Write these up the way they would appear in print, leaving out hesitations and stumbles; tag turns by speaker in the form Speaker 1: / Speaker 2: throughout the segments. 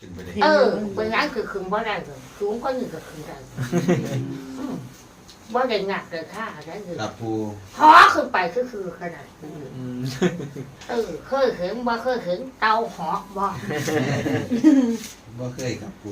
Speaker 1: เป็นงานคือคืนว่าได้เลยคืนก็หนึ่งก็คืนได้ว่าได้หนักเลยค่าได้เลย
Speaker 2: ครับปู
Speaker 1: พอขึ้นไปคือขนาดเคยเห็นว่าเคยเห็นเตาหอกบ่
Speaker 2: บ่เคยครับปู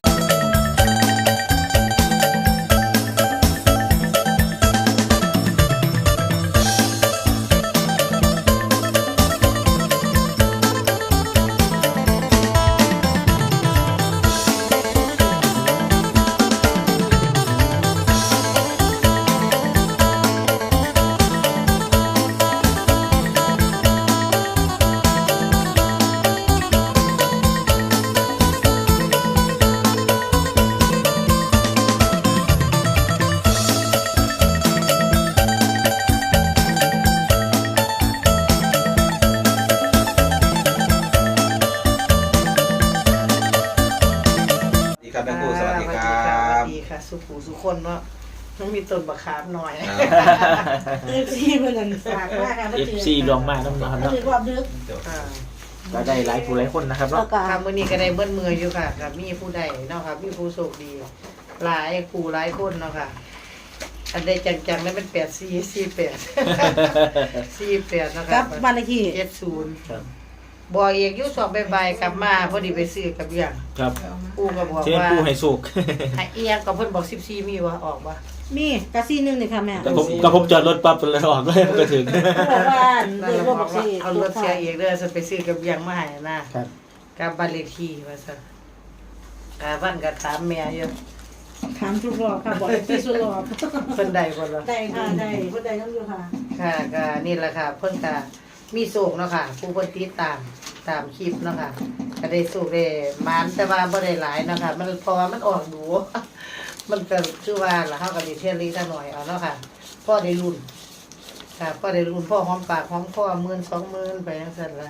Speaker 2: ครับแม่ครูสวัสดีครับ
Speaker 3: สวัสดีค่ะสุขูสุคนเนาะต้องมีต้นบะขามหน่อย
Speaker 4: FC เพิ่นนั่นฝากมากค่ะ
Speaker 5: FC รวมมากน้ำนะครับเนาะ
Speaker 4: ถือความดึก
Speaker 5: ก็ได้หลายผู้หลายคนนะครับ
Speaker 4: แล้ว
Speaker 5: เนาะ
Speaker 4: ก็
Speaker 3: ค่ะมื้อนี้ก็ได้เบิ้ลมืออยู่ค่ะกับมีผู้ใดเนาะค่ะมีผู้โชคดี หลายผู้หลายคนเนาะค่ะ อันใดจังๆแล้วมัน8448 48นะคะ
Speaker 4: กับบ้านเลขที่
Speaker 3: 70บอกเอกอยู่สอบบ่ายๆกลับมาพอดีไปซื้อกับเบียง
Speaker 5: ครับ
Speaker 3: ปู่ก็บอก
Speaker 5: เชิญ
Speaker 3: ว่า
Speaker 5: ผู้ให้สุก
Speaker 3: ให้เอียงก็เพิ่นบอก14มีว่าออกบ่
Speaker 4: มีกะซี่นึงนี่ค่ะแม่
Speaker 5: กระผมจอดรถปั๊บเลยออกเลยมันก็ถึง
Speaker 4: บอกว่าเดี๋ยวบอกสิ
Speaker 3: เอารถเสียเอกเด้อฉันไปซื้อกับเบียงมาให้นะครับ กับบ้านเลขที่ว่าซั่นวันก็ถามแม่อยู่
Speaker 4: ถามทุกรอบค่ะบอกเลขที่สุดรอบ
Speaker 3: เพิ่นได้บ่ล่ะ
Speaker 4: ได้ค่ะได้เพิ่นได้น้ำอยู่ค่ะ
Speaker 3: ค่ะก็นี่แหละค่ะเพิ่นก็มีโศกเนาะค่ะผู้เพิ่นติดตามคลิปเนาะค่ะก็ได้โศกได้หมานแต่ว่าบ่ได้หลายเนาะค่ะมันเพราะว่ามันออกดู มันก็คือว่าล่ะเฮาก็ได้เที่ยวลีซะหน่อยเอาเนาะค่ะพอได้รุ่นค่ะพอได้รุ่นพ่อหอมปากหอมคอ10,000 20,000ไปจังซั่นล่ะ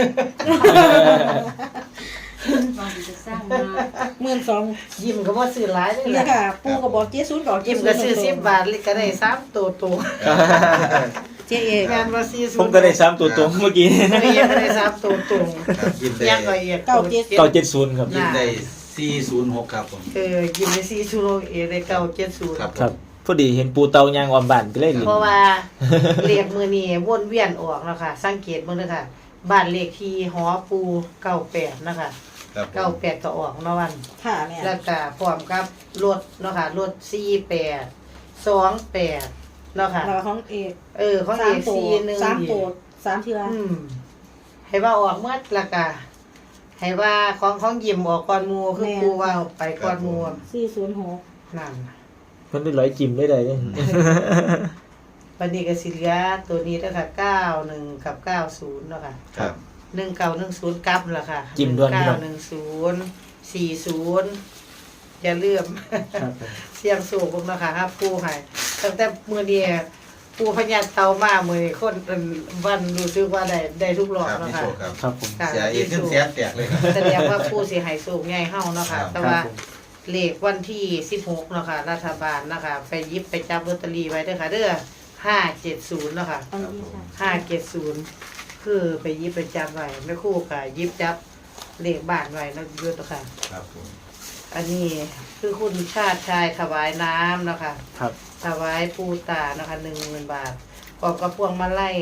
Speaker 4: 12,000
Speaker 3: ยิ้มก็บ่ซื้อหลายเลย
Speaker 4: นี่
Speaker 3: ล่ะ
Speaker 4: ค่ะปู่ก็บอก70ก็
Speaker 3: ยิ้มก็ซื้อ10 บาทก็ได้3ตัวตรง
Speaker 4: เจ๊เอก
Speaker 3: งานว่า40
Speaker 5: ผมก็ได้3ตัวตรงเมื่อกี้
Speaker 3: ก็ได้3ตัวตรง
Speaker 2: ครับยิ้มได้
Speaker 3: ยังก็เอียก
Speaker 5: 970ครับ
Speaker 2: ยิ้มได้406ครับผม
Speaker 3: ยิ้มได้4เได้970
Speaker 2: ครับ
Speaker 5: ครับพอดีเห็นปูเตายางออมบ้านก็เลยลิ้น
Speaker 3: เพราะว่าเลขมือนี้วนเวียนออกแล้วค่ะ สังเกตเบิ่งเด้อค่ะ บ้านเลขที่หอปู98นะคะ
Speaker 2: ครับผม
Speaker 3: 98ก็ออกเนาะวัน
Speaker 4: ค่ะแม่
Speaker 3: แล้วก็พร้อมกับรถเนาะค่ะรถ48 28เนาะค่ะ
Speaker 4: แล้วของเอก
Speaker 3: ของเอก41
Speaker 4: 3ตัว3เทื่อ
Speaker 3: ให้ว่าออกเมื่อละกะให้ว่าของยิ้มออกก่อนหมู่คือปูว่าไปก่อนหมู่
Speaker 4: 406
Speaker 3: นั่น
Speaker 5: เพิ่นได้ร้อยจิ้มได้เลย
Speaker 3: วันนี้ก็สิเหลือตัวนี้แล้วค่ะ91กับ90เนาะค่ะ
Speaker 2: ครับ
Speaker 3: 1910กลับล่ะค่ะ
Speaker 5: จิ้มด้วยนี่เนาะ
Speaker 3: 1910 40อย่าลืม
Speaker 5: ครับผม
Speaker 3: เสียงสูงพวกเนาะค่ะครับปูให้ตั้งแต่มื้อนี้ปูพญาเตามามื้อนี้คนวันรู้สึกว่าได้ทุกรอบ
Speaker 2: ครับ
Speaker 3: เนาะ
Speaker 2: พี่
Speaker 3: ค่ะ
Speaker 2: โชคครับ
Speaker 5: ครับผม
Speaker 3: ค่ะ
Speaker 2: เสียเอกขึ้นเสียแตกเลยครับ
Speaker 3: แสดงว่าปูสิให้สูงใหญ่เฮาเนาะค่ะ
Speaker 2: ครับ
Speaker 3: แต่ว่าเลขวันที่16เนาะค่ะรัฐบาลนะคะไปหยิบไปจับลอตเตอรี่ไว้เด้อค่ะเด้อ570เนาะค่ะ
Speaker 4: อันนี้ค่ะ
Speaker 3: 570คือไปหยิบไปจับไว้แม่ครูค่ะหยิบจับเลขบ้านไว้เนาะอยู่เนาะค่ะ
Speaker 2: ครับผม
Speaker 3: อันนี้คือคุณชาติชายถวายน้ำเนาะค่ะ
Speaker 5: ครับ
Speaker 3: ถวายปูตานะคะ 10,000 บาทพร้อมกับพวงมาลัย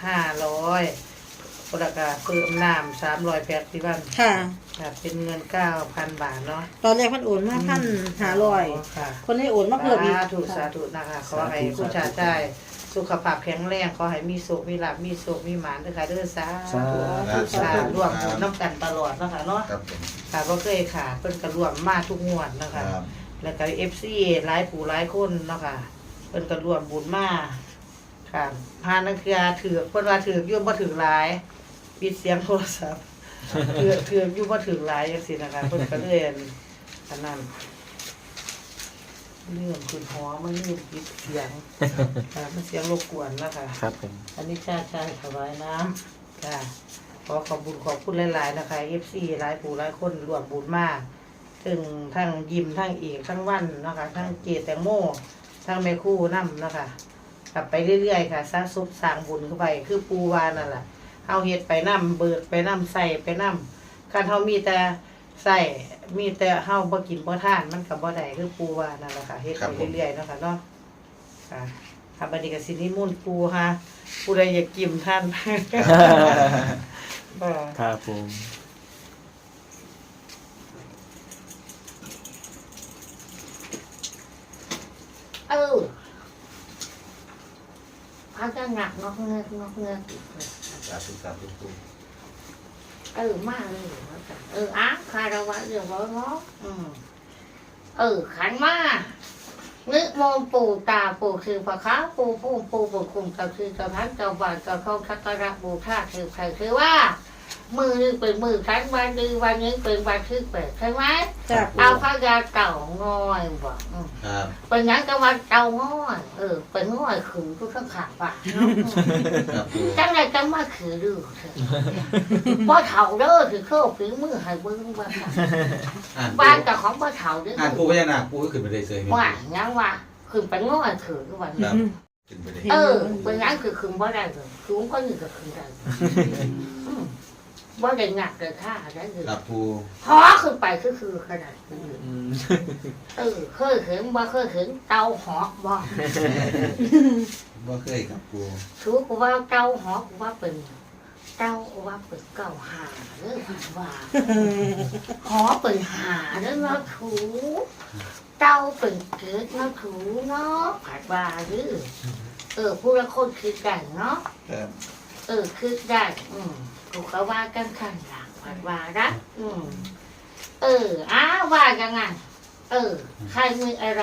Speaker 3: 500แล้วก็เพิ่มน้ำ380บาท
Speaker 4: ค่ะ
Speaker 3: ค่ะเป็นเงิน 9,000 บาทเนาะ
Speaker 4: ตอนแรกเพิ่นโอนมา1,500
Speaker 3: ค่ะ
Speaker 4: คนได้โอนมาเพิ่มอีก
Speaker 3: สาธุนะคะขอให้คุณชาติชายสุขภาพแข็งแรงขอให้มีสุขมีลาภมีสุขมีหมานด้วยค่ะเด้อสาธุสาธุร่วมบุญน้ำกันตลอดเนาะคะเนาะ
Speaker 2: ครับผม
Speaker 3: ค่ะบ่เคยขาดเพิ่นก็ร่วมมาทุกงวดเนาะ
Speaker 2: ครั
Speaker 3: คะ
Speaker 2: บ
Speaker 3: แล้วก็ FC หลายผู้หลายคนเนาะค่ะเพิ่นก็ร่วมบุญมาค่ะพานักเทื่อถือเพิ่นว่าถืออยู่บ่ถือหลายปิดเสียงโทรศัพท์ถืออยู่บ่ถือหลายจังซี่นะคะเพิ่นก็เลยอันนั้นเรื่องคุณหอมันนี่ปิดเสียงมันเสียงรบกวนนะคะ
Speaker 5: ครับผม
Speaker 3: อันนี้ชาติชายถวายน้ำค่ะขอขอบคุณขอบคุณหลายๆนะคะ FC หลายผู้หลายคนร่วมบุญมากถึงทั้งยิมทั้งเอกทั้งวันนะคะทั้งเกศแตงโมทั้งแม่คู่น้ำนะคะกลับไปเรื่อยๆค่ะสร้างซุปสร้างบุญเข้าไปคือปูวานั่นแหละเฮาเฮ็ดไปน้ำเบิกไปน้ำใส่ไปน้ำคันเฮามีแต่ใส่มีแต่เฮาบ่กินบ่ทานมันก็บ่ได้คือปูว่านั่นแหละค่ะเฮ็ดไปเรื่อยๆเนาะค่ะเนาะค่ะค่ะบัดนี้ก็สินิมนต์ปูฮะผู้ใดอยากกินท่านบ่
Speaker 5: ครับผม
Speaker 1: เขาจะหนักงอกเงือกอีกเลย
Speaker 2: สาธุสาธุปู
Speaker 1: มากเลยอ้าคารวะเรื่องร้อนขันมานึกมองปู่ตาปู่คือพระค้าปู่พุ่มปู่บุญคุณกับคือกับพันกับวันกับเขาทักการะบูชาคือใครคือว่ามือนึงเป็นมือขันวันดีวันนี้เป็นวันที่แปดใช่ไหม
Speaker 4: จ้ะ
Speaker 1: เอาพระยาเต่างอยบอก
Speaker 2: ครับ
Speaker 1: เป็นงั้นก็วันเต่างอยเป็นงอยขือทุกข้างขาป่า
Speaker 2: ครับปู
Speaker 1: จังไรจังมาขือดูเถอะบ่เฒ่าเด้อถือโชคถือมือให้เบิ่งว่าค่ะ
Speaker 2: อ่านปู
Speaker 1: บ้านกับของบ่เฒ่าเด้อ
Speaker 2: อ่านปูพญานาคปูก็ขึ้นไปได้เสยไหม
Speaker 1: ว่ายังว่าคือเป็นงอยขือทุกวัน
Speaker 2: ครับขึ้นไปได้
Speaker 1: เป็นงั้นคือคืนบ่ได้เลยคือก็นี่ก็คือได้บ่ได้หนักเลยค่ะได้เลย
Speaker 2: ครับปู
Speaker 1: หอขึ้นไปคือขนาดนี้เคยเห็นบ่เคยเห็นเตาหอกบ่
Speaker 2: บ่เคยครับปู
Speaker 1: ถือกูว่าเตาหอกกูว่าเป็นเตาว่าเป็นเก้าหาเด้อว่าหอเป็นหาเด้อเนาะถูเตาเป็นเกิดเนาะถูเนาะผัดว่าหรือผู้ละคนคิดได้เนาะ
Speaker 2: ครับ
Speaker 1: คิดได้กูเขาว่ากันขันหลังผัดว่านะว่ายังไงใครมีอะไร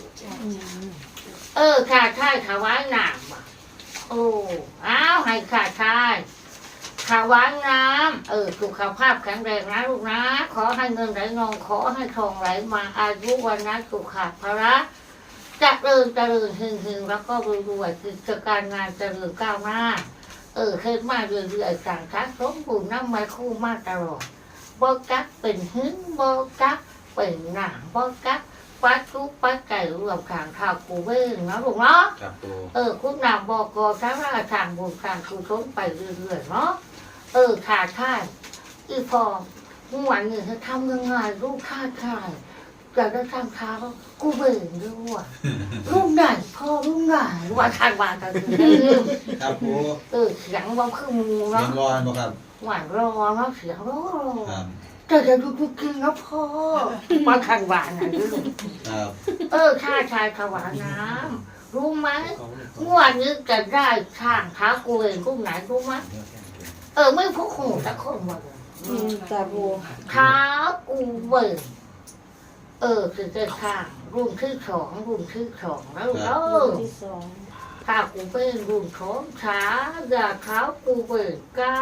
Speaker 1: ขาดชายถวายน้ำว่ะให้ขาดชายถวายน้ำสุขภาพแข็งแรงนะลูกนะขอให้เงินไหลนองขอให้ทองไหลมาอายุวันนั้นสุขภาระจะเริญหึงแล้วก็รวยกิจการงานเจริญก้าวหน้าเคยมาเรื่อยๆสั่งทักสมบูรณ์น้ำไม้คู่มาตลอดบ่กักเป็นหึงบ่กักเป็นหนังบ่กักปัดทุกปัดไก่รวมขางข้าวกูเว้งนะลูกเนาะ
Speaker 2: ครับปู
Speaker 1: คุณนำบอกอทั้งราทางบุญทางคือทนไปเรื่อยๆเนาะขาดค่ายอีพอวันหนึ่งจะทำยังไงลูกขาดค่ายจะได้ทำเท้ากูเบ่งด้วยลูกไหนพ่อลูกไหนว่าทานวานกันลืม
Speaker 2: ครับปู
Speaker 1: เสียงว่าคือมู
Speaker 2: เรีย
Speaker 1: เนาะ
Speaker 2: นรอนบ่ครับ
Speaker 1: หวานรอเนาะเสียงรอ
Speaker 2: ครับ
Speaker 1: แต่จะดูกินนะพ่อมาทานวานนะลืม
Speaker 2: ครับ
Speaker 1: ข้าชายถวายน้ำรู้ไหมงวดนี้จะได้ช่างท้ากูเองกูไหนรู้ไหมไม่พกหูแต่คนหมดเลย
Speaker 4: จ้ะปู
Speaker 1: ท้ากูเบิกคือจะช่างรุ่นที่สองแล้ว
Speaker 4: ที่สอง
Speaker 1: ถ้ากูเป็นรุ่นของช้าอย่าเท้ากูเบิก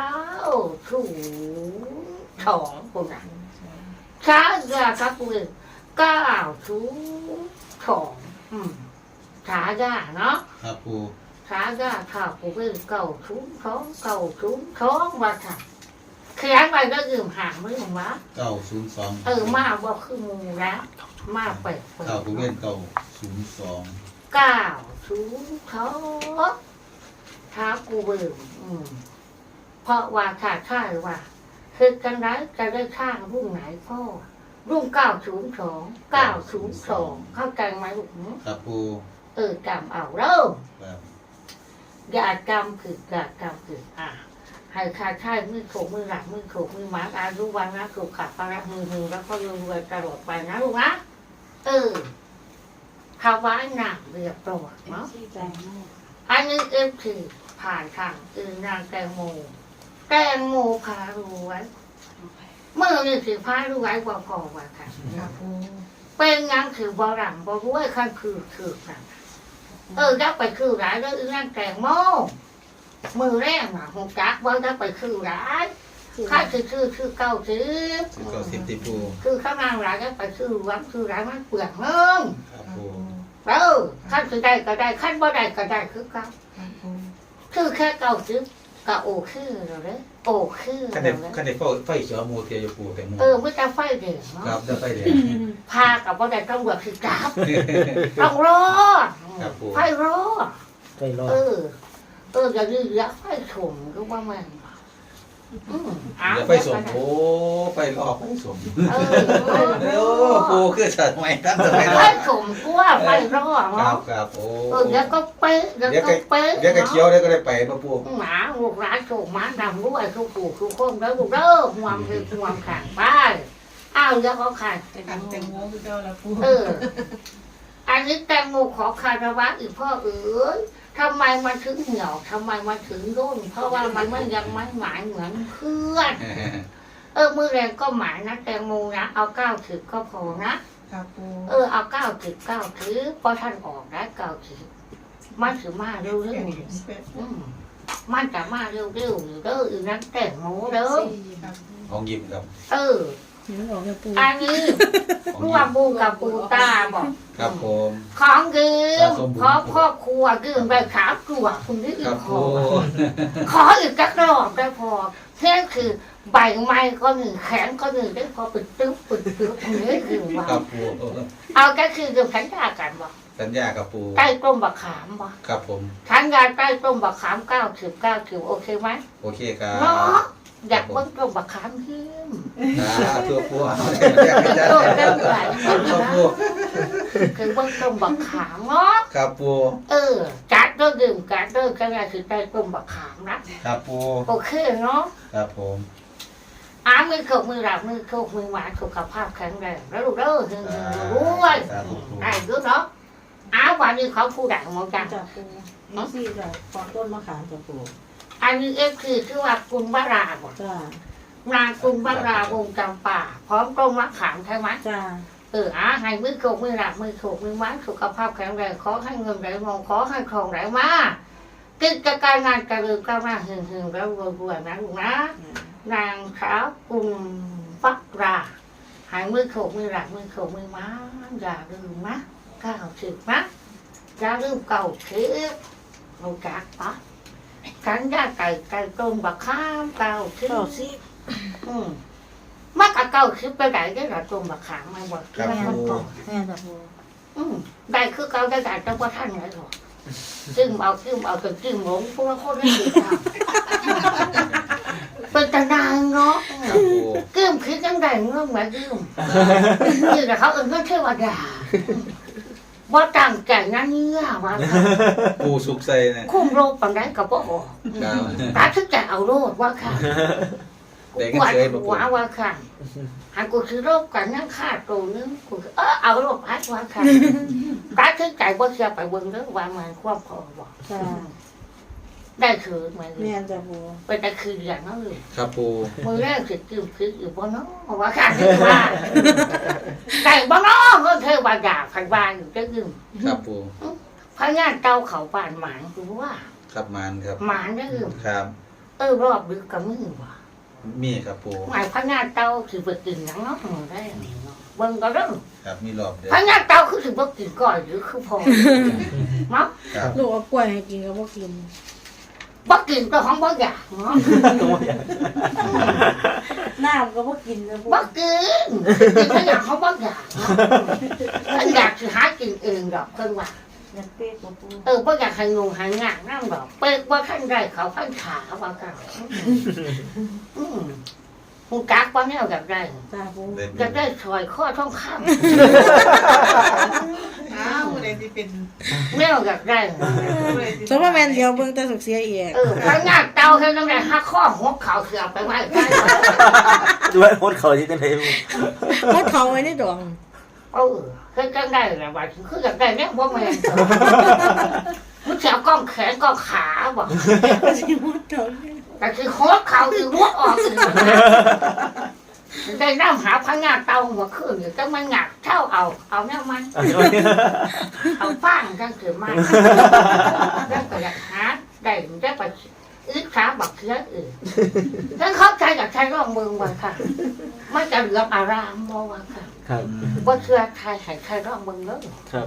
Speaker 1: 902คนนั้นช้าอย่าเท้ากูเบิก902ช้าย่าเนาะ
Speaker 2: ครับปู
Speaker 1: ช้าย่าถ้ากูเป็น902ว่าค่ะเขียนไปก็ยืมหางไม่ถึงวะ
Speaker 2: 902
Speaker 1: มาว่าคือมูแล้วมาเปิด
Speaker 2: ข้าวปูเว้น902
Speaker 1: 902ท้ากูเบิ่งเพราะว่าขาดค่าหรือว่าคือกันไรจะได้ข้างรุ่งไหนพ่อรุ่ง902เข้าใจไหมลูก
Speaker 2: ครับปู
Speaker 1: จำเอาเริ่ม
Speaker 2: ครับ
Speaker 1: อย่าจำคือให้ขาดค่ามือโขกมือหลักมือโขกมือหมาอายุวันนะถูกขัดปลามือแล้วก็รวยตลอดไปนะลูกนะภาวะหนักเรียบร้อยเนาะ
Speaker 4: จ้ะ
Speaker 1: อันนี้คือผ่านทางนางแตงโมพารวยเมื่อนี่คือพารวยว่าพอว่าค่ะ เป็นงานคือบอรังบอรวยขั้นคือกันยักไปคือร้ายแล้วนางแตงโมมือแรกน่ะหงจักว่ายักไปคือร้ายข้าคือเก้าสิบ
Speaker 2: 10ติปู
Speaker 1: คือข้างล่างร้ายยักไปคือวังคือร้ายมันเปลือกเงิน
Speaker 2: ครับปู
Speaker 1: ขั้นคือได้ก็ได้ขั้นบ่ได้ก็ได้คือเก้าคือแค่เก้าสิบก็โอคือเราเลยโอคือ
Speaker 2: คัน
Speaker 1: เรา
Speaker 2: ได้
Speaker 1: เลย
Speaker 2: คันได้ไฟเขียวมูเทียอยู่ปูแต่มู
Speaker 1: ไม่จะไฟเดือดเนาะ
Speaker 2: ครับได้ไฟแดง
Speaker 1: พากับบ่ได้ต้องแบบคือจับต้องรอ
Speaker 2: ครับผม
Speaker 1: ไฟรอ
Speaker 5: ไปรอด
Speaker 1: อย่าดื้ออย่าไฟชมก็ว่ามันอ้าว
Speaker 2: เดี๋ยวไฟสมโอ้ไฟรอไฟสม
Speaker 1: เออ
Speaker 2: เดี๋ยวปูคือฉันไม่ตั้งแต่ไม่ร
Speaker 1: ไฟ
Speaker 2: อ
Speaker 1: สมตัวไฟรอ
Speaker 2: ครั
Speaker 1: เนาะ
Speaker 2: บครับโอ้
Speaker 1: เดี๋ยวก็เป๊ะเดี๋ยวก็เป๊ะ
Speaker 2: เดี๋ยวก็เคี้ยวได้ก็ได้ไปมาปู
Speaker 1: หมาลูกร้านโฉมมาดำด้วยทุกผู้ทุกคนแล้วลูกเด้อห่วงคือห่วงขังไปอ้าวเดี๋ยวเขาขัง
Speaker 4: อันแตงโมคือเก่าละปู
Speaker 1: เออ อันนี้แตงโมขอคารวะอีกพ่อเอ๋ยทำไมมันถึงเหี่ยวทำไมมันถึงร่นเพราะว่ามันไม่ยังไม่หมายเหมือนเพื่อน มือแรงก็หมายนะแตงโมนะเอา90ก็พอนะครับ
Speaker 4: ปู
Speaker 1: เอา90ถือพอท่านออกได้90มันถือมาเร็วๆมันจะมาเร็วๆอยู่เด้ออีนั้นแตงโมเด้อ
Speaker 2: ของยิ้มครับ
Speaker 4: เห็นออกแล้วปู
Speaker 1: อันนี้ร่วมบูกับปูตาบอก
Speaker 2: ครับผม
Speaker 1: ของยืมขอครอบครัวยืมไปขาวกลัวคุณที่
Speaker 2: ค
Speaker 1: อี
Speaker 2: รั
Speaker 1: ก
Speaker 2: บ
Speaker 1: ข
Speaker 2: ปู
Speaker 1: อขออีกสักรอบได้พอแค่คือใบไม้ก็หนึ่งแขนก็หนึ่งได้พอปิดตึ๊บนี่คือว่า
Speaker 2: ครับปู
Speaker 1: เอาก็คือกับขันยากันบอก
Speaker 2: สัญญากับปู
Speaker 1: ใต้ต้มบักขามบอก
Speaker 2: ครับผม
Speaker 1: ขันยาใต้ต้มบักขาม90โอเคไหม
Speaker 2: โอเคครับ
Speaker 1: เนาะอยากเบิ่งต้มบักขามยืม
Speaker 2: ตัวปู
Speaker 1: โต้เรื่องไหล
Speaker 2: ครับปู
Speaker 1: คือเบิ่งต้มบักขามเนาะ
Speaker 2: ครับปู
Speaker 1: จัดเด้อดื่มกัดเด้อขนาดคือใต้ต้มบักขามนะครับ
Speaker 2: ปู
Speaker 1: โอเคเนาะ
Speaker 2: ครับผม
Speaker 1: มือโขกมือหลับมือโขกมือหวานสุขภาพแข็งแรงแล้วลูกเด้อหึงๆรวยได้เด้อเนาะวันนี้เขาผู้ดังมองกัน
Speaker 4: จับปูนี่สิจ้ะขอต้นมะขามจับปู
Speaker 1: อันนี้คือว่าคุณวราบ่
Speaker 4: จ้าน
Speaker 1: างคุณวราวงจำป่าพร้อมต้มมะขามใช่ไหม
Speaker 4: จ้า
Speaker 1: ให้มือโขกมือหลับมือโขกมือหวานสุขภาพแข็งแรงขอให้เงินไหลมองขอให้ทองไหลมากิจการงานกระลือก้าวหน้าหึงๆแล้วรวยๆนะลูกนะนางสาวกุมฟักราหายมือโขกมือหลักมือโขกมือม้าอย่าลืมนะ90นะอย่าลืม90รู้จักปะขันย่าไก่ต้มบักข้าม90มากกับ90ไปไหนได้หรอต้มบักขามมาบอก
Speaker 2: ครับ
Speaker 1: แม่
Speaker 2: ปู
Speaker 1: ก่อน
Speaker 4: แม่จับปู
Speaker 1: ได้คือเขาได้แต่ว่าท่านไหนหรอกจึงเอาจนจึงหลงพวกเราคนได้ดีค่ะเป็นตานางเนาะ
Speaker 2: ครับปู
Speaker 1: กึ้มคือจังไดเงื่อนเหมือนกึ้มนี่แต่เขาเอิ้นเงื่อนเทวดาว่าตั้งใจนั่นเนี่ยว่า
Speaker 2: ปูสุกใส่เนี่ย
Speaker 1: คุ้มโรคปังได้กับพ่อ
Speaker 2: ครับ
Speaker 1: ตาทึกใจเอาโรคว่าค่ะ
Speaker 2: เด็ก
Speaker 1: ป
Speaker 2: ก็
Speaker 1: วด
Speaker 2: เคยมาปู
Speaker 1: หัวว่าค่ะหากกูคือโรคกันนั่งฆ่าตัวนึงกูเอาโรคพัดว่าค่ะตาทึกใจว่าเสียไปเบิ่งเรื่องว่ามันความพอบอก
Speaker 4: จ้า
Speaker 1: ได้คือเหมือน
Speaker 4: แม่จับปู
Speaker 1: ไปแต่คืออย่างนั้นเลย
Speaker 2: ครับปู
Speaker 1: มือแรกคือคืออยู่บนน้องว่าค่ะที่ว่าได้บนน้องก็เทวดาพันบานอยู่จะยืม
Speaker 2: ครับปู
Speaker 1: พญาเต้าเขาป่านหมานคือว่า
Speaker 2: ครับมานครับ
Speaker 1: หมานได้ยืม
Speaker 2: ครับ
Speaker 1: รอบดึกกับมือว่ะ
Speaker 2: มีครับปู
Speaker 1: หมายพญาเต้าคือไปกินหนังเนาะได้เบิ่งก็เรื่อง
Speaker 2: ครับมีรอบเดียว
Speaker 1: พญาเต้าคือสิบ่กินก่อนหรือคือพอเนาะ
Speaker 2: ครับ
Speaker 4: ลูกเอากล้วยให้กินก็บ่กิน
Speaker 1: บ่กินก็ของบ่อยากเนาะ
Speaker 4: น้ำก็บ่กินนะปู
Speaker 1: บ่กินก็อยากเขาบ่อยากเนาะถ้าอยากสิหากินเองดอกเพิ่นว่า
Speaker 4: อยากเป๊กบ่ปู
Speaker 1: บ่อยากให้งงให้งานนั่งดอกเป๊กว่าขั้นได้เขาขั้นขาว่ากันมึงกักว่าแนวอยากได้
Speaker 4: จ้าปู
Speaker 1: อยากได้ซอยข้อท่องค
Speaker 6: อ้าวอะไรที่เป็น
Speaker 1: ำแนวอยากได้
Speaker 4: สมมติแม่นเดียวเบิ่งแต่สุกเสียเอีก
Speaker 1: พงานเตาให้ตั้งแต่หักข้อหัวเข่าเสือไปไว้ได้
Speaker 5: ด้วยโคตรเขาที่เป็นไง
Speaker 4: มดเขาไว้ในดอง
Speaker 1: เคยจังได้แหละว่าคืออยากได้เนี่ยว่าแม่นมึงจะเอากล้องแขนกล้องขาบ่
Speaker 4: สิมดเขา
Speaker 1: แต่คือหัวเข่าคือหัวออกคือได้น้ำหาพงานเตาหัวขึ้นอยู่จังมันหงักเท่าเอาแนวมัน เอาฟังจังคือมันแล้วก็อยากหาได้ได้ไปอึดขาบักเชื้ออื่นถ้าเข้าใจกับใช้ร่องมือว่าค่ะมันจะเหลืออารามบ่ว่าค่ะ
Speaker 5: ครับ
Speaker 1: ว่าเชื่อใครใครร่องมือเลย
Speaker 5: ครับ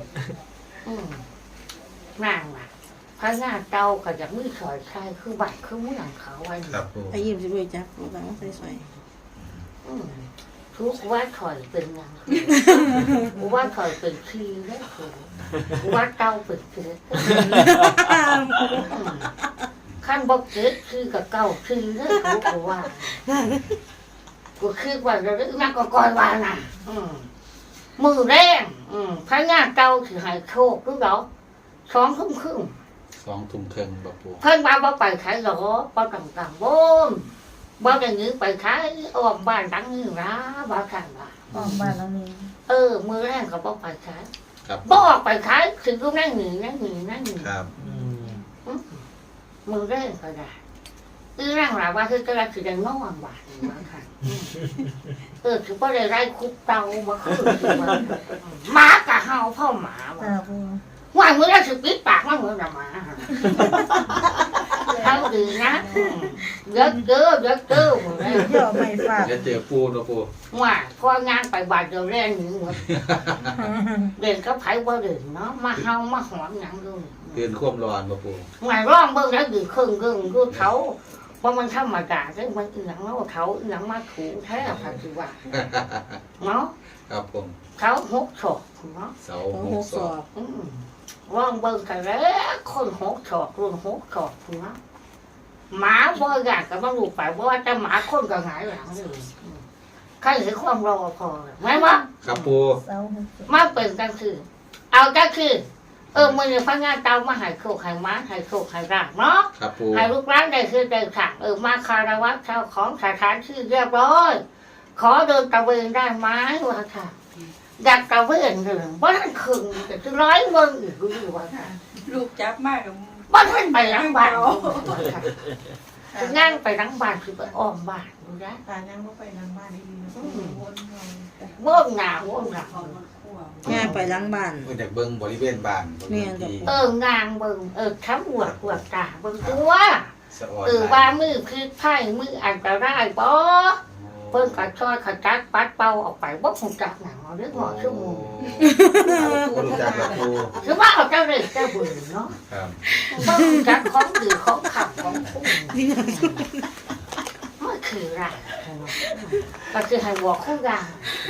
Speaker 1: นั่งอ่ะพระงาเตาก็จะมือสอยใครคือบัตรคือมือหลังเขาไว้
Speaker 2: ครับปู
Speaker 4: ไอ้ยิ้มสิบ่จับปูบางใส่สวย
Speaker 1: ทุกว่าถอยเป็นยังกูว่าถอยเป็นชีแล้วกูว่าเตาเป็นเชื้อขั้นบอกเกิดคือกับเก่าคือเรื่องกูว่ากูคือว่าเราเรื่องนักก็ก่อยว่าน่ะมือแรงพระงานเก่าคือหายโชครู้เหรอ2 ทุ่มครึ่ง
Speaker 2: 2 ทุ่มครึ่งบ่ปู
Speaker 1: เพิ่นมาบ่ไปขายหรอบ่ต่างๆบ่บ่ได้ยื้อไปขายอ้อมบ้านดังนี่นะบ่คันว่า
Speaker 4: ออกบ้านแล้วนี่
Speaker 1: มือแรงก็บ่ไปขาย
Speaker 2: ครับ
Speaker 1: บ่ออกไปขายถึงก็นั่งหนี
Speaker 2: ครับ
Speaker 1: มือแรงก็ได้ร่างหลาว่าคือก็คือได้นอนว่าบ่คันคือบ่ได้ไล่คุกเตาบ่คือหมาก็เห่าพ่อหมาว่า
Speaker 4: จ้าปู
Speaker 1: ว่ามือแล้วสิปิดปากมันเหมือนหมาเอาดีนะเยอะเก้อมือแรง
Speaker 4: เดี๋ยวไม่ฝาก
Speaker 2: จะเจอปูเนาะปู
Speaker 1: ว่าพองานไปบาดเดียวแรงหนึ่งหมดเด่นก็ไผว่าเด่นเนาะมาเฮามาหอมหยังดู
Speaker 2: เตือนความร้อนบ่ปู
Speaker 1: หมายร้องเบิ่งแล้วดื้อครึ่งดูเขาว่ามันธรรมดาได้มันอีหยังเนาะเขาอีหยังมาถูแท้ค่ะสิว่าเนาะ
Speaker 2: ครับผม
Speaker 1: เขาหกศอกเนาะ
Speaker 2: เสา
Speaker 4: โอ้
Speaker 2: ห
Speaker 4: โห
Speaker 2: ก
Speaker 4: ส
Speaker 2: ศ
Speaker 4: อ
Speaker 2: อก
Speaker 4: บ
Speaker 1: ร้องเบิ่งกันแล้วคนหกศอกรุ่นหกศอกเนาะหมาบ่อยากก็บ่รู้ไปว่าแต่หมาคนก็หงายหลังเลยใครเห็นความรอพอไหมวะ
Speaker 2: ครับปู
Speaker 4: เสาหกศอก
Speaker 1: มาเป็นกันคือ เอาก็คือมือเนี่ยพนักงานเตามาใหายโคกใหายม้าใหายโคกใหายรากเนาะ
Speaker 2: ครับปู
Speaker 1: ใหายลูกร้านได้คือได้สั่งมาคารวะเจ้าของสถานที่เรียบร้อย ขอเดินตะเวนได้ไหมวะค่ะอยากตะเวนเลยว่าท่านคึงแต่จะร้อยเมืองอีกรู้ว่าค่ะ
Speaker 6: ลูกจับมากกับ
Speaker 1: ว่าท่านไปล้างบ้านงานไปล้างบ้านคือไปอ้อมบ้านดูนะ
Speaker 6: ตายังก็ไปทางบ้านได้ดีนะวนเรา
Speaker 1: ว่นหนาว่นหนา
Speaker 6: เอามันคั่ว
Speaker 4: ย่างไปล้างบ้าน
Speaker 2: เพิ่นอยากเบิ่งบริเวณบ้านบริเวณที่
Speaker 1: งานเบิ่งทั้งหัวตาเบิ่งตัว
Speaker 2: สะออน
Speaker 1: ว่ามือคือไพ่มืออันตรายบ่เพิ่นก็ช่วยขจัดปัดเป่าออกไปบ่คงจักหนังเอาเรื่องหอชั่วโมง
Speaker 2: บ่รู้จักกับปู
Speaker 1: คือว่าเอาเจ้าเรื่องเจ้าบุญเนาะ
Speaker 2: ครับ
Speaker 1: บ่คงจักของดือของขับของคุ้มมันคืออะไรก็คือให้บอกคู่กัน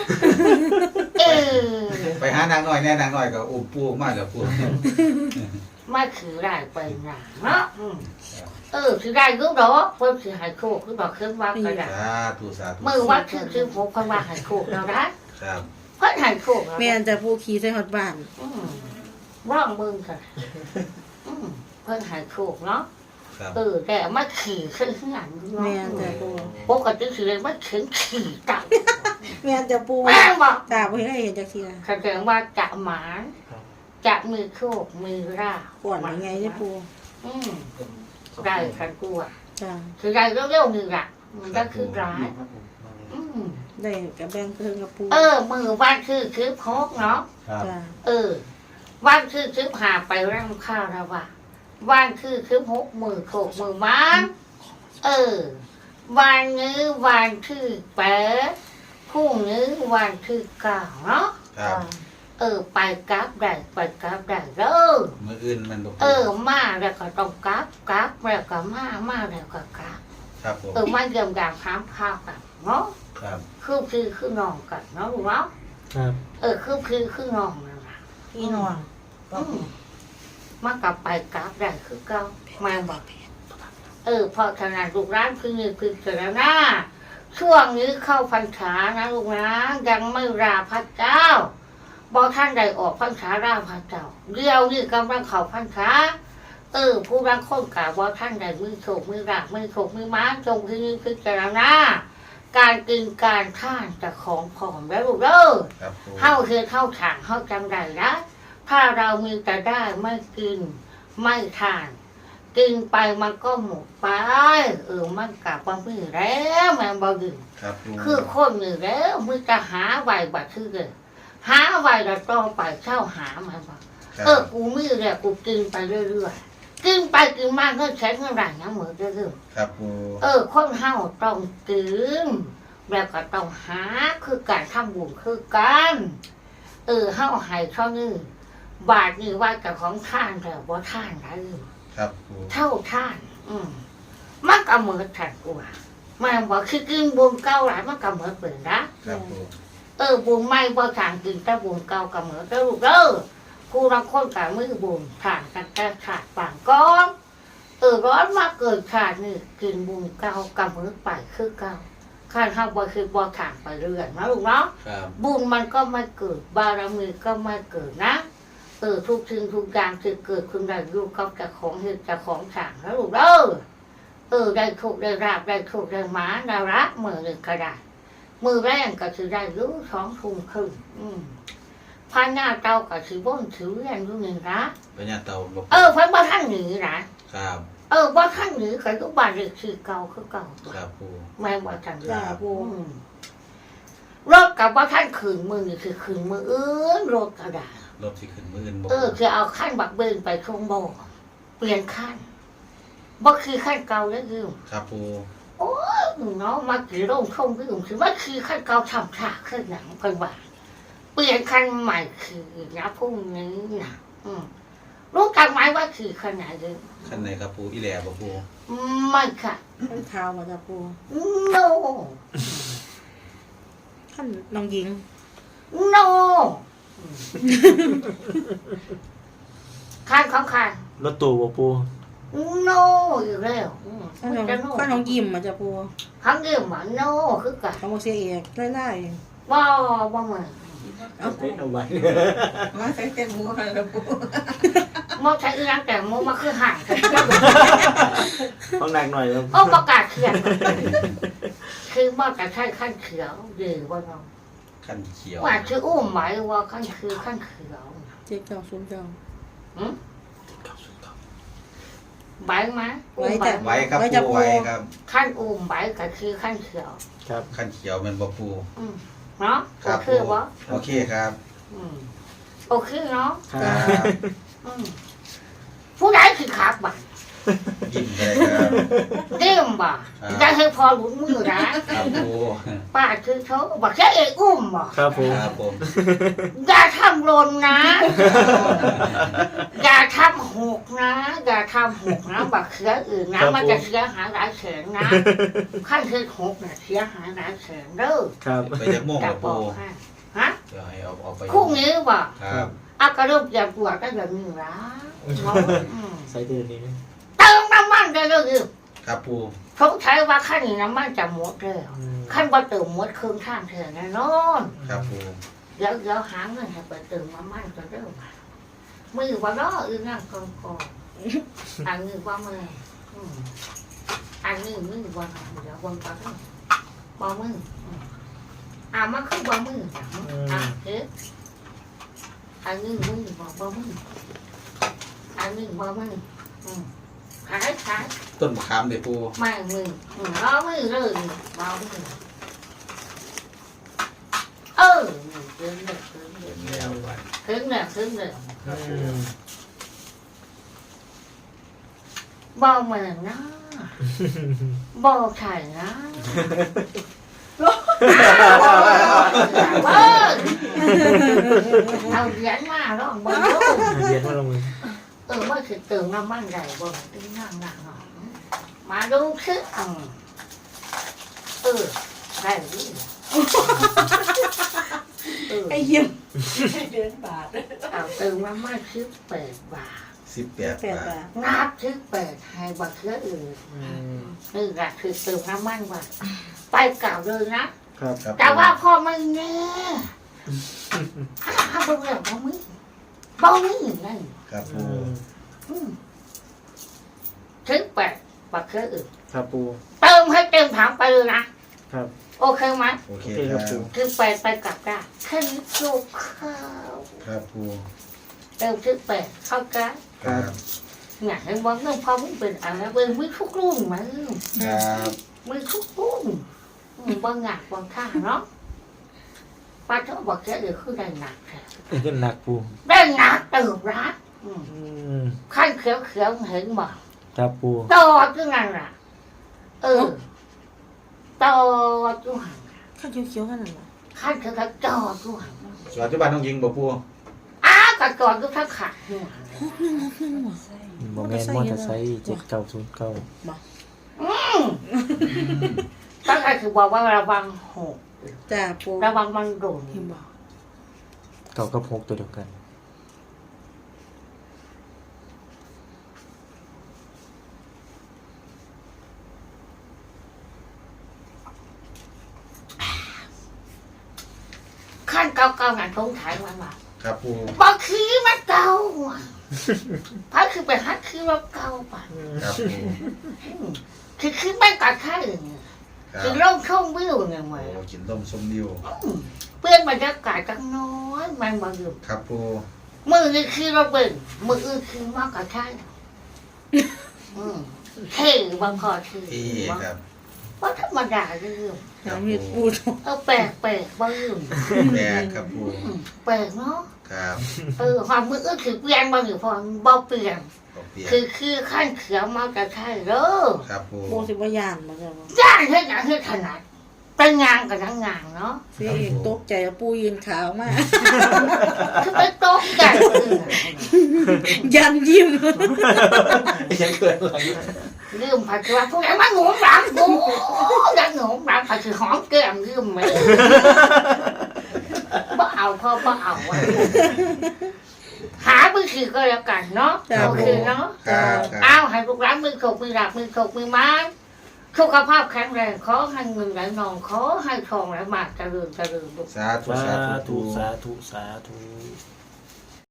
Speaker 2: ไปหานางน้อยแน่นางน้อยก็อุ้มปูมาแล้วปู
Speaker 1: มันคืออะไรไปหนาเนาะคือได้รู้ดอกเพิ่นสิให้โคกคือบอกเครื่องว่าก็ได้
Speaker 2: สาธุสาธุ
Speaker 1: มือวัดคือผมเพิ่นว่าให้โคกแล้วนะครับ เพิ่นให้โคกแล้ว
Speaker 4: แม่นจะปูขี่ใส่ฮอดบ้าน
Speaker 1: ร่องมึงค่ะเพิ่นให้โคกเนาะ
Speaker 2: ครับ
Speaker 1: แต่มาขี่ขึ้นหลังเนาะ
Speaker 4: แม่นจะปู
Speaker 1: ปกติสิเลยมาถึงขี่เก่า
Speaker 4: แม่นจะปู
Speaker 1: แม่บอก
Speaker 4: จ้าบ่เคยเห็นจักเทีย
Speaker 1: แสดงว่าจะหมานจะมือโคกมือรา
Speaker 4: ก่อนยังไงจะปู
Speaker 1: ได้คันกลัว
Speaker 4: จ้า
Speaker 1: คือได้เร็วๆนึงอ่ะมันก็คือร้าย
Speaker 4: ได้กับแบ่งเพิ่งกับปู
Speaker 1: มือวันคือพกเนาะ
Speaker 2: ครับ
Speaker 4: จ้า
Speaker 1: วันคือหาไปร่างข้าวแล้วว่ะวันคือหกมือโขกมือมันวันนี้วันที่8พรุ่งนี้วันที่9เนาะ
Speaker 2: ครับ
Speaker 1: ไปกราฟได้เด้อ
Speaker 2: มื้ออื่นมันบ่ปู
Speaker 1: มาแล้วก็ต้องกราฟแล้วก็มาแล้วก็กราฟ
Speaker 2: ครับผม
Speaker 1: มาเยี่ยมยามถามข้าวกันเนาะ
Speaker 2: ครับ
Speaker 1: คือน้องกันเนาะลูกเนาะ
Speaker 5: ครับ
Speaker 1: คือน้องนั่นล่ะ
Speaker 4: พี่น้อง
Speaker 1: มากลับไปกราฟได้คือเก่ามาบอกเพราะขนาดลูกร้านคือเจรณาช่วงนี้เข้าพรรษานะลูกนะยังไม่ราพระเจ้าบอกท่านใดออกพรรษาราพระเจ้าเดียวนี่กำลังเข้าพรรษาผู้รังคนกล่าวว่าท่านใดมือโฉกมือรามือโฉกมือม้าจงคือเจรณาการกินการท่านจะของผอมแล้วลูกเด้อ
Speaker 2: ครับปู
Speaker 1: เข้าคือเข้าฉางเข้าจำได้นะถ้าเรามีแต่ได้ไม่กินไม่ทาน กินไปมันก็หมดไปมันกลับมามือแล้วแม่บ่ดื่ม
Speaker 2: ครับปู
Speaker 1: คือคนมือแล้วมือจะหาไว้บัดคือเลยหาไว้แล้วต้องไปเช่าหามาบ่
Speaker 2: ครับ
Speaker 1: กูมือแล้วกูกินไปเรื่อยๆกินไปกินมาก็ใช้เงินหลายนะเหมือนเดิม
Speaker 2: ครับปู
Speaker 1: คนเฮาต้องกินแล้วก็ต้องหาคือการทำบุญคือกันเฮาให้เท่านี้บาทนี่ว่ากับของท่านแต่บ่ท่านได้
Speaker 2: ครับปู
Speaker 1: เท่าท่านมันก็เหมือนท่านกูว่ามันบอกคือกินบุญเก่าหลายมันก็เหมือนเปิดนะครับ
Speaker 2: ปู
Speaker 1: บุญใหม่บ่ทางกินแต่บุญเก่าก็เหมือนเด้อลูกเด้อผู้รังคนกับมือบุญทานกันแต่ขาดปางก้อนร้อนมาเกิดขาดนี่กินบุญเก่ากำมือไปคือเก่าข้าห้าบ่คือบ่ขาดไปเรื่อยนะลูกเนาะ
Speaker 2: ครับ
Speaker 1: บุญมันก็ไม่เกิดบารมีก็ไม่เกิดนะทุกสิ่งทุกอย่างจะเกิดขึ้นได้ลูกก็จะของเหตุจะของสั่งนะลูกได้โชคได้ราบได้โชคได้หมาได้รักมือหนึ่งก็ได้มือแรงก็คือได้รู้2 ทุ่มครึ่งพาหน้าเตาก็คือบ้นถือเรียนรู้หนึ่งนะ
Speaker 2: ปัญญาเตาบ่
Speaker 1: เพิ่นบ่ท่านหนีนะครับ บ่ท่านหนีก็อยู่บ้านเลขที่เก่าคือเก่า
Speaker 2: ครับปู
Speaker 1: แม่บ่ท่านหนี
Speaker 4: จ้าปู
Speaker 1: รถกับบ่ท่านขืนมือนี่คือขืนมืออื่นรถก็ได้
Speaker 2: รถสิขึ้นมื้ออื่นบ่
Speaker 1: คือเอาขั้นบักเบินไปชงบ่เปลี่ยนขั้นบ่คือขั้นเก่าแล้วคือ
Speaker 2: ครับปู
Speaker 1: เนาะมากี่โรงชงคือว่าคือขั้นเก่าทำฉากขึ้นหนังเพิ่นว่าเปลี่ยนขั้นใหม่คือนะพรุ่งนี้นะรู้กันไหมว่าคือขนาดไหน
Speaker 2: คันไหนครับปูอีแหล่บ่ปู
Speaker 1: ไม่ค่ะ
Speaker 4: ขั้นเท้ามาจ้าปู
Speaker 1: no
Speaker 4: ขั้นน้องหญิง
Speaker 1: no ขั้นของขั้น
Speaker 5: รถตู้บ่ปู
Speaker 1: no อยู่แล้ว
Speaker 4: ขั้นน้องยิ้มมาจ้าปู
Speaker 1: ขั้นเรื่องมัน no คือกัน
Speaker 4: ของโมเสียเอกไล่
Speaker 1: ว่าเหมือน
Speaker 5: เอาไว้
Speaker 6: มาใส่เต็มหมูหันแล้วปู
Speaker 1: มอใช้อีนังแต่มอมาคือห่างกัน
Speaker 5: ต้องหนักหน่อยครับ
Speaker 1: โอ้ประกาศเขียนคือมอจะใช้ขั้นเขียวดีว่าน้อง
Speaker 2: คันเขียว
Speaker 1: ว่าชื่ออุ้มหมายว่าขั้นคือขั้นเขียว
Speaker 4: ๆ7 9 0 9
Speaker 1: ใบไหม
Speaker 4: ไว้จ้ะ
Speaker 2: ไว้ครับ
Speaker 4: ไว้จะ
Speaker 2: ปู
Speaker 4: ปู
Speaker 2: ไว้ครับ
Speaker 1: ขั้นอุ้มใบก็คือขั้นเขียว
Speaker 5: ครับ
Speaker 2: คันเขียวแม่นบ่ปู
Speaker 1: เนาะ
Speaker 2: ค
Speaker 1: โอ
Speaker 2: รับ
Speaker 1: เค
Speaker 2: ปู
Speaker 1: วะ
Speaker 2: โอเคครับ
Speaker 1: โอเคเนาะ
Speaker 2: ครับ
Speaker 1: ผู้ใดคือขับบ่
Speaker 2: ยิ้มได้ครับ
Speaker 1: เดี่ยมบ่ได้ให้พอหลุดมือนะครับ
Speaker 2: ปู
Speaker 1: ป้าคือเขาบอกแค่เอกอุ้มบ่
Speaker 5: ครับผม
Speaker 2: ครับผม
Speaker 1: อย่าทำหลนนะ อย่าทำหกนะอย่าทำหกนะบักเสียอื่นนะมันจะเสียหายหลายแสนนะขั้นคือหกเนี่ยเสียหายหลายแสนเด้อ
Speaker 5: ครับ
Speaker 2: ไปจักโมง
Speaker 1: จะ
Speaker 2: ล่ะ
Speaker 1: บ
Speaker 2: ปู
Speaker 1: อกให้ฮะ
Speaker 2: เดี๋ยวให้เอาไป
Speaker 1: พรุ่งนี้บ่
Speaker 2: ครับ
Speaker 1: อากระเริ่มอย่าปวดก็อย่ามีร้า
Speaker 5: ใส่เดือนนี้
Speaker 1: เติมน้ำมันได้เลย
Speaker 2: ครับปู
Speaker 1: สงสัยว่าขั้นนี้น้ำมันจะหมดแล้วขั้นว่าเติมหมดเครื่องข้างเธอแน่นอน
Speaker 2: ครับปู
Speaker 1: เดี๋ยวหาเงินให้ไปเติมน้ำมันก็เริ่มมือว่าน้อนั่งกองอันนี้ว่ามืออันนี้มือว่าเดี๋ยววันก่อนบ่มือมันคือบ่มือเอ๊ะอันนี้มือบ่มืออันนี้บ่มือขาย
Speaker 2: ต้นมะขามเด้ปู
Speaker 1: ไม่มือเอามือเลยเอามือถึงเลย
Speaker 2: เป็นแล้วไป
Speaker 1: ถึงเลยบ่เหมือนนะบ่ไข่นะเอาเหรียญมาลองบ่ลูก
Speaker 5: เรียนมาลงมือ
Speaker 1: ว่าคือเติมน้ำมันใหญ่บ่ตึงนั่งหนักหน่อยมาดูซิได้ดิ
Speaker 4: ไอ้ยิ้ม
Speaker 6: เดือนบาท
Speaker 1: เอาเติมน้ำมัน18 บาท
Speaker 2: 18
Speaker 4: 8
Speaker 2: บาท
Speaker 4: บาท
Speaker 1: นับ18ให้บักเสืออื่นนี่แหละคือเติมน้ำมันว่าไปเก่าเลยนะครับ
Speaker 2: ครับ
Speaker 1: แต่ว่าพ่อไม่แน่ถ้าเป็นเรื่องบ่มีนั่น
Speaker 2: ครับปู
Speaker 1: 18บักเสืออื่น
Speaker 5: ครับปู
Speaker 1: เติมให้เต็มถังไปเลยนะครับ โอเคไหม
Speaker 2: โอเค
Speaker 5: โอเค
Speaker 2: ค
Speaker 5: ครั
Speaker 2: รับบ
Speaker 5: ปู
Speaker 1: คือไปกลับได้แค่นี้จบข้าว
Speaker 2: ครับปู
Speaker 1: เติม18เข้ากัน
Speaker 2: ครับ
Speaker 1: อยากให้บอกเรื่องพ่อมึงเป็นอะไรเป็นมือทุกรุ่นมั้ง
Speaker 2: ครับ
Speaker 1: มือทุกรุ่นบางหนักบางข้าเนาะป้าเจ้าบอกแกเดี๋ยวคือได้หนักแท้
Speaker 5: เงินหนักปู
Speaker 1: ได้หนักเติมรัก
Speaker 5: ม
Speaker 1: ขั้นเขียวเห็นบ่
Speaker 5: ครับปู
Speaker 1: ต่อจุนั่นล่ะต่อจุหัน
Speaker 4: ขั้นเขียวๆขนาดนั้น
Speaker 1: ขั้นเขียวต่อจุหัน
Speaker 2: ปัจจุบันน้องยิงบ่ปู
Speaker 1: กระจอดจุทั้งขาดหัว
Speaker 4: 6
Speaker 6: ใส่
Speaker 5: บ่แม่นมอเตอร์ไซค์7909
Speaker 1: ตั้งแต่คือบอกว่าระวังหก
Speaker 4: จ้าปู
Speaker 1: ระวังมันโดน
Speaker 4: เห็นบ่
Speaker 5: เก่ากับ6ตัวเดียวกัน
Speaker 1: เก่าๆนั่นทงถ่ายมันว่า
Speaker 2: ครับปู
Speaker 1: บ่คือมันเก่าว่ะพระคือไปฮักคือว่าเก่าป่ะ
Speaker 2: ครับปู
Speaker 1: คือไม่กัดข้าอื่น
Speaker 2: ครั
Speaker 1: คื
Speaker 2: บ
Speaker 1: อร่องช่องวิวเนี่ยเหมือน
Speaker 2: โอ้กินต้มส้มดิว
Speaker 1: เพื่อนบรรยากาศจังน้อยมันมาอยู่
Speaker 2: ครับปู
Speaker 1: มือนี่คือเราเบิ่งมืออื่นคือมากกว่าข้าเท่บางพอคือ
Speaker 2: เอ๊ครับ
Speaker 1: ว่าธรรมดาเรื่อง
Speaker 2: ครับ
Speaker 4: มี
Speaker 2: ปู
Speaker 4: ปู
Speaker 1: แปลกบ้าง
Speaker 2: แดกครับปู
Speaker 1: แปลกเนาะ
Speaker 2: ครับ
Speaker 1: ความมืออื่นคือเปลี่ยนบางอยู่พอบ่เปลี่ยน
Speaker 2: บ่เปลี่ยน
Speaker 1: คือขั้นเขียวมากกว่าข้าเด้อ
Speaker 2: ครับปู
Speaker 4: ปูสิบ่ย่านมาจ้ะ
Speaker 1: ย่างให้อย่างให้ถนัดเป็นงานกับทั้งงานเนาะ
Speaker 4: เสียเอกตกใจว่าปูยืนขาวมาก
Speaker 1: คือไปโต๊ะกัน
Speaker 4: ยันยิ้ม
Speaker 2: ยังเกินอะไร
Speaker 1: ลืมผัดว่าพวกนั้นมาหนูหลังกูดังหนูหลังผัดคือหอมแก้มลืมไหมบ่เอาพ่อบ่เอาว่ะหามือถือก็แล้วกันเนาะ
Speaker 4: จ้ะ
Speaker 1: โอเคเนาะ
Speaker 2: ครับค
Speaker 1: เอา
Speaker 2: รับ
Speaker 1: ให้ลูกหลานมือขกมือหลับมือขกมือไม้สุขภาพแข็งแรงขอให้เงินไหลนองขอให้ทองไหลมาเจริญลูก
Speaker 2: สาธุ
Speaker 5: สา
Speaker 2: สาธุ
Speaker 5: ธุ
Speaker 2: ปู
Speaker 5: สาธุสาธุ
Speaker 1: อ